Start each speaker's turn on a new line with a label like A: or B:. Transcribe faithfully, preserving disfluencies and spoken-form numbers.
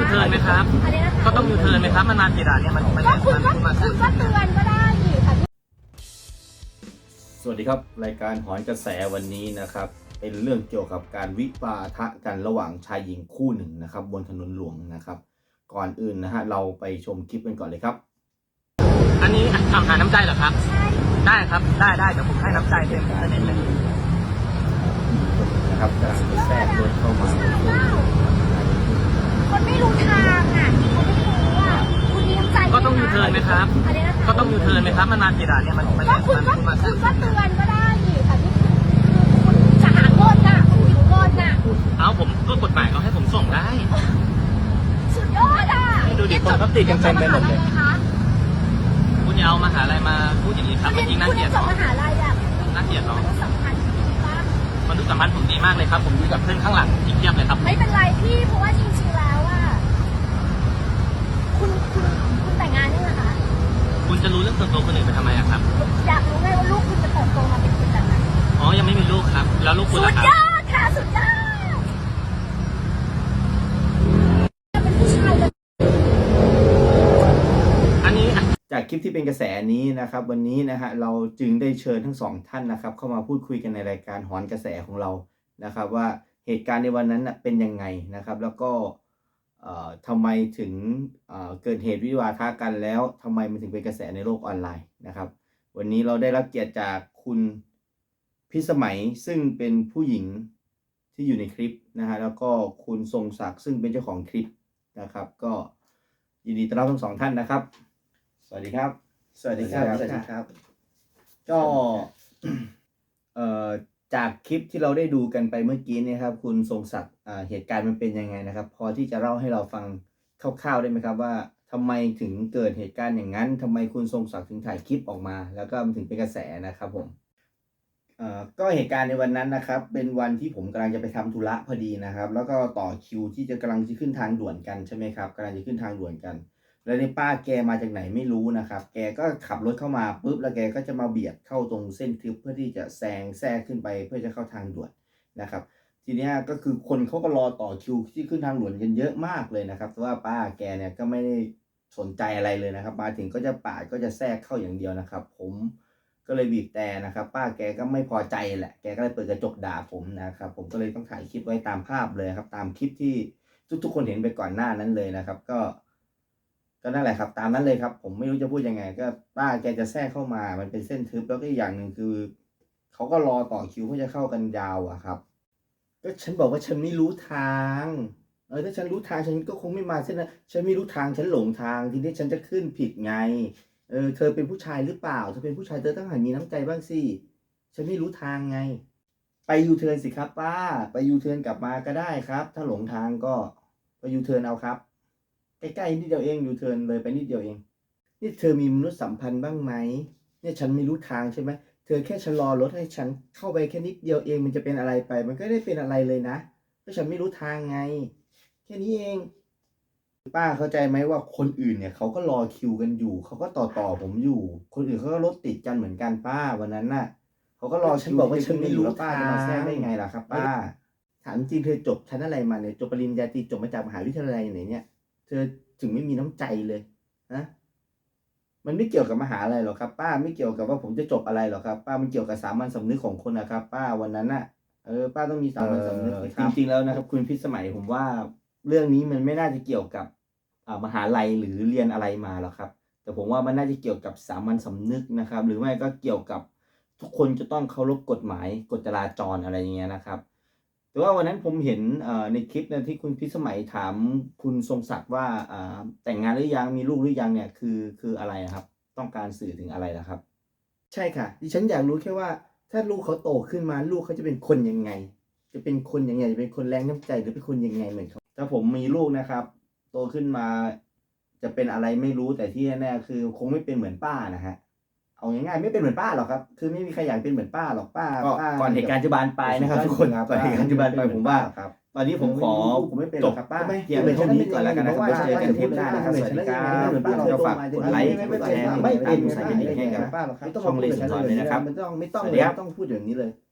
A: เทิร์นไหมครับก็ต้องยูเทิร์นไหมครับมันมากี่ด่านเนี่ยมันมัน
B: ก็คุณก็
A: มัน
B: คุณก็เตือนก็ได้นี่ค่ะ
C: สวัสดีครับรายการหอนกระแสวันนี้นะครับเป็นเรื่องเกี่ยวกับการวิวาทะกันระหว่างชายหญิงคู่หนึ่งนะครับบนถนนหลวงนะครับก่อนอื่นนะฮะเราไปชมคลิปกันก่อนเลยครับ
A: อันนี้ทำหาน้ำใจเหรอครับได้ครับได้ได้เดี๋ยวผมให้น้ำใจเต็มประเด็นเลย
C: นะครับกำลังจะแทรกรถเข้ามา
B: คนไม่รู้ทางอ่ะเขาไม่รู้อ่ะคุณมีน้ำใจ
A: ก็ต้องยูเทิร์นไหมครับก็ต้องยูเทิร์นไหมครับมันมากี่ด่านเนี่ยมันมัน
B: ก็คุณก็
A: มัน
B: คุณก็เตือนก็ได้นี่ค่ะนี่คือคุณจะหาเงินน่ะคุณหิวเงินน่ะ
A: เอาผมก็กฎหมายเขาให้ผมส่งได้
B: สุดยอดอ่ะ
A: ดูดิคนเขาติดกันเต็มไปหมดเลยคุณอย่าเอามหาลัยมาพูดอย่างนี้ครับมันยิ่งน่าเกลียด
B: คุณจบมหาลัยอ่ะ
A: น่าเกลียดเนาะ
B: มันสำคัญจริงป่ะ
A: มนุษยสัมพันธ์ผมดีมากเลยครับผมดูกับเพื่อนข้างหลังอีกเทียบเลยครับ
B: ไม่เป็นไรพี่เพราะว่าจริงๆแล้วอ่ะคุณคุณคุณแต่งงานยังไงคะ
A: คุณจะรู้เรื่องส่วนตัวคนอื่นไปทำไมอะครับ
B: อยากรู้ไงว่าลูกคุณจะเติบโตมาเป็นคนแบบไหน
A: อ๋อยังไม่มีลูกครับแล้วลูกคุณล่ะครับ
B: สุดยอดค่ะสุดยอดเป็นผู้ชายเลย
A: อันนี้
C: จากคลิปที่เป็นกระแสนี้นะครับวันนี้นะฮะเราจึงได้เชิญทั้งสองท่านนะครับเข้ามาพูดคุยกันในรายการหอนกระแสของเรานะครับว่าเหตุการณ์ในวันนั้นเป็นยังไงนะครับแล้วก็ทำไมถึงเกิดเหตุวิวาทะกันแล้วทำไมมันถึงเป็นกระแสในโลกออนไลน์นะครับวันนี้เราได้รับเกียรติจากคุณพิสมัยซึ่งเป็นผู้หญิงที่อยู่ในคลิปนะฮะแล้วก็คุณทรงศักดิ์ซึ่งเป็นเจ้าของคลิปนะครับก็ยินดีต้อนรับทั้งสองท่านนะครับสวัสดีครับสวัสดีครับสวัสดีครับก็เอ่อจากคลิปที่เราได้ดูกันไปเมื่อกี้เนี่ยครับคุณทรงศักดิ์เหตุการณ์มันเป็นยังไงนะครับพอที่จะเล่าให้เราฟังคร่าวๆได้ไหมครับว่าทำไมถึงเกิดเหตุการณ์อย่างนั้นทำไมคุณทรงศักดิ์ถึงถ่ายคลิปออกมาแล้วก็มันถึงเป็นกระแสนะครับผมเอ่อก็เหตุการณ์ในวันนั้นนะครับเป็นวันที่ผมกำลังจะไปทำธุระพอดีนะครับแล้วก็ต่อคิวที่จะกำลังจะขึ้นทางด่วนกันใช่ไหมครับกำลังจะขึ้นทางด่วนกันแล้วในป้าแกมาจากไหนไม่รู้นะครับแกก็ขับรถเข้ามาปุ๊บแล้วแกก็จะมาเบียดเข้าตรงเส้นทึบเพื่อที่จะแซงแทรกขึ้นไปเพื่อจะเข้าทางด่วนนะครับทีนี้ก็คือคนเขาก็รอต่อคิวที่ขึ้นทางด่วนกันเยอะมากเลยนะครับแต่ว่าป้าแกเนี่ยก็ไม่ได้สนใจอะไรเลยนะครับมาถึงก็จะปาดก็จะแทรกเข้าอย่างเดียวนะครับผมก็เลยบีบแต่นะครับป้าแกก็ไม่พอใจแหละแกก็เลยเปิดกระจกด่าผมนะครับผมก็เลยต้องถ่ายคลิปไว้ตามภาพเลยครับตามคลิปที่ทุกๆคนเห็นไปก่อนหน้านั้นเลยนะครับก็ก็นั่นแหละครับตามนั้นเลยครับผมไม่รู้จะพูดยังไงก็ป้าแกจะแทรกเข้ามามันเป็นเส้นทึบแล้วก็อีกอย่างหนึ่งคือเขาก็รอต่อคิวเพื่อจะเข้ากันยาวอะครับก็ฉันบอกว่าฉันไม่รู้ทางเออถ้าฉันรู้ทางฉันก็คงไม่มาเส้นนั้นฉันไม่รู้ทางฉันหลงทางทีนี้ฉันจะขึ้นผิดไงเออเธอเป็นผู้ชายหรือเปล่าเธอเป็นผู้ชายเธอต้องหัดมีน้ำใจบ้างสิฉันไม่รู้ทางไงไปยูเทิร์นสิครับป้าไปยูเทิร์นกลับมาก็ได้ครับถ้าหลงทางก็ไปยูเทิร์นเอาครับใกล้ๆนิดเดียวเองยูเทิร์นเลยไปนิดเดียวเองนี่เธอมีมนุษยสัมพันธ์บ้างไหมเนี่ยฉันไม่รู้ทางใช่ไหมเธอแค่ชะลอรถให้ฉันเข้าไปแค่นิดเดียวเองมันจะเป็นอะไรไปมันก็ไม่ได้เป็นอะไรเลยนะเพราะฉันไม่รู้ทางไงแค่นี้เองป้าเข้าใจไหมว่าคนอื่นเนี่ยเขาก็รอคิวกันอยู่เขาก็ต่อต่อผมอยู่คนอื่นเขาก็รถติดกันเหมือนกันป้าวันนั้นน่ะเขาก็รอฉันบอกว่าฉันไม่รู้ป้าจะมาแทรกได้ไงล่ะครับป้าถามจริงเธอจบชั้นอะไรมาเนี่ยจบปริญญาตรีจบมาจากมหาวิทยาลัยไหนเนี่ยเธอถึงไม่มีน้ำใจเลยนะมันไม่เกี่ยวกับมหาอะไรหรอกครับป้าไม่เกี่ยวกับว่าผมจะจบอะไรหรอกครับป้ามันเกี่ยวกับสามัญสำนึกของคนนะครับป้าวันนั้นน่ะเออป้าต้องมีสามัญสำนึกจริงๆแล้วนะครับคุณพิสมัยผมว่าเรื่องนี้มันไม่น่าจะเกี่ยวกับมหาลัยหรือเรียนอะไรมาหรอกครับแต่ผมว่ามันน่าจะเกี่ยวกับสามัญสำนึกนะครับหรือไม่ก็เกี่ยวกับทุกคนจะต้องเคารพกฎหมายกฎจราจรอะไรอย่างเงี้ยนะครับแต่ว่าวันนั้นผมเห็นในคลิปนะที่คุณพิสมัยถามคุณทรงศักดิ์ว่าแต่งงานหรือยังมีลูกหรือยังเนี่ยคือคืออะไรครับต้องการสื่อถึงอะไรนะครับใช่ค่ะดิฉันอยากรู้แค่ว่าถ้าลูกเขาโตขึ้นมาลูกเขาจะเป็นคนยังไงจะเป็นคนยังไงจะเป็นคนแรงน้ำใจหรือเป็นคนยังไงเหมือนเขาถ้าผมมีลูกนะครับโตขึ้นมาจะเป็นอะไรไม่รู้แต่ที่แน่ๆคือคงไม่เป็นเหมือนป้านะฮะเอาง่ายๆไม่เป็นเหมือนป้าหรอกครับคือไม่มีใครอยากเป็นเหมือนป้าหรอกป้าก่อนเหตุการณ์จะบานปลายนะครับทุกคนก่อนเหตุการณ์จะบานปลายผมว่าตอนนี้ผมขอผมไม่เป็นหรอกครับป้าเพียงเท่านี้ก่อนแล้วกันนะครับไว้เจอกันเทปหน้านะครับสวัสดีครับเราฝากกดไลค์กดแชร์ไม่เป็นใส่กันให้กับช่องเลนส์สอนเลยนะครับ
B: ไม่ต้องไม่ต้องไม่ต้องพูดอย่างนี้เลย